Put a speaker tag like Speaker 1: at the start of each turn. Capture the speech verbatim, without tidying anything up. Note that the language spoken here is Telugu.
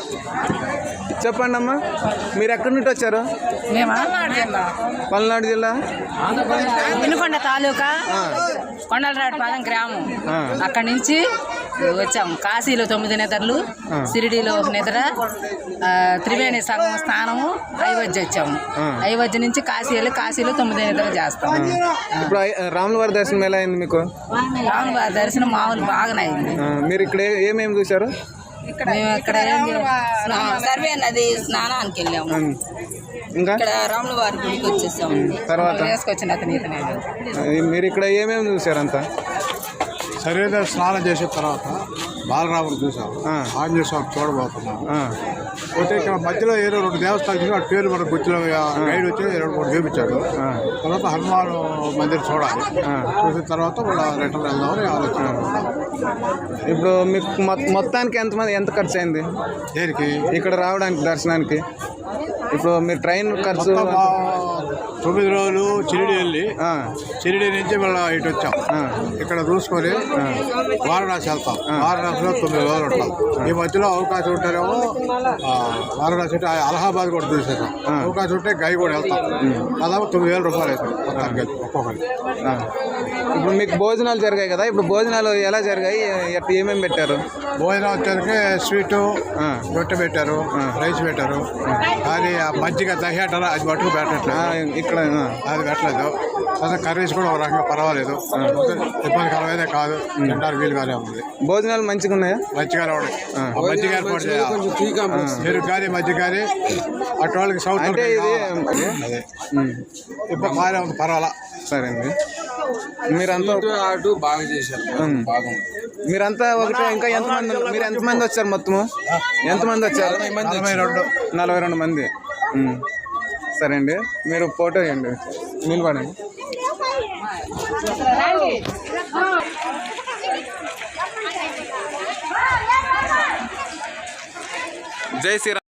Speaker 1: చెప్పండి అమ్మా, మీరు ఎక్కడి నుండి వచ్చారు? పల్నాడు జిల్లా
Speaker 2: వినుకొండ తాలూకా కొండలరావుపాలెం గ్రామం. అక్కడి నుంచి వచ్చాము. కాశీలో తొమ్మిది నిద్రలు, షిరిడీలో ఒక నిద్ర, త్రివేణి సంగమ స్థానము, అయోధ్య వచ్చాము. అయోధ్య నుంచి కాశీ వెళ్ళి కాశీలో తొమ్మిది నిద్రలు చేస్తాము.
Speaker 1: ఇప్పుడు రాముల వారి దర్శనం ఎలా అయింది మీకు?
Speaker 2: రాముల వారి దర్శనం మామూలు బాగానే అయింది.
Speaker 1: మీరు ఇక్కడ ఏమేమి చూసారు?
Speaker 2: మేము ఇక్కడ సర్వే నది స్నానానికి వెళ్ళాము. ఇంకా ఇక్కడ రాముల వారి గుడికి వచ్చేసాము. తర్వాత వేసుకొచ్చిన అతని
Speaker 1: మీరు ఇక్కడ ఏమేమి చూసారు? అంతా
Speaker 3: సర్వేద స్నానం చేసిన తర్వాత బాలరాముడు చూసాం, ఆంజనేయ స్వామి చూడబోతున్నాం. పోతే ఇక్కడ మధ్యలో ఏదో రెండు దేవస్థానాలు చూసి వాటి పేరు మన గుర్తులో గైడ్ వచ్చి రెండు మూడు చూపించాడు. తర్వాత హనుమాన్ మందిర్ చూడాలి, చూసిన తర్వాత మళ్ళీ రిటర్న్ వెళ్దామని ఆలోచన.
Speaker 1: ఇప్పుడు మీకు మొత్తానికి ఎంతమంది ఎంత ఖర్చు అయింది
Speaker 3: దేనికి
Speaker 1: ఇక్కడ రావడానికి దర్శనానికి? ఇప్పుడు మీరు ట్రైన్ ఖర్చు
Speaker 3: తొమ్మిది రోజులు షిరిడి వెళ్ళి షిరిడి నుంచి మళ్ళీ ఇటు వచ్చాం. ఇక్కడ చూసుకొని వారణాసి వెళ్తాం. వారణాసిలో తొమ్మిది రోజులు ఉంటాం. ఈ మధ్యలో అవకాశం ఉంటారేమో వారణాసి అంటే అలహాబాద్ కూడా చూసేసాం. అవకాశం ఉంటే గై కూడా వెళ్తాం. దాదాపు తొమ్మిది వేల రూపాయలు అవుతాయి ఒక్కొక్కరికి.
Speaker 1: ఇప్పుడు మీకు భోజనాలు జరిగాయి కదా, ఇప్పుడు భోజనాలు ఎలా జరిగాయి? ఏమేమి పెట్టారు?
Speaker 3: భోజనం వచ్చేసరికి స్వీటు రొట్టె పెట్టారు, రైస్ పెట్టారు. కానీ ఆ మజ్జిగ దహి అంటారా అది మట్టుకు పెట్టట్లేదు ఇక్కడ, అది పెట్టలేదు. అసలు కర్రీస్ కూడా ఒక రకంగా పర్వాలేదు, ఇబ్బందికరమైతే కాదు, తింటారు వీలుగానే ఉంది.
Speaker 1: భోజనాలు మంచిగా ఉన్నాయా?
Speaker 3: మంచిగానే ఉన్నాయి. మజ్జిగ ఏర్పాటు చేయాలి, మీరు కానీ మజ్జిగ కానీ అటు వాళ్ళకి సౌత్ అంటే అదే ఇప్పుడు బాగానే ఉంది, పర్వాలా.
Speaker 1: సరే అండి, మీరంతా
Speaker 4: అటు బాగా చేశారు, బాగుంది.
Speaker 1: మీరంతా ఒకటి ఇంకా ఎంతమంది? మీరు ఎంతమంది వచ్చారు మొత్తము? ఎంతమంది వచ్చారు?
Speaker 3: నలభై రెండు
Speaker 1: నలభై రెండు మంది. సరే అండి, మీరు ఫోటో ఇవ్వండి, నిలబడండి. జై శ్రీరామ్.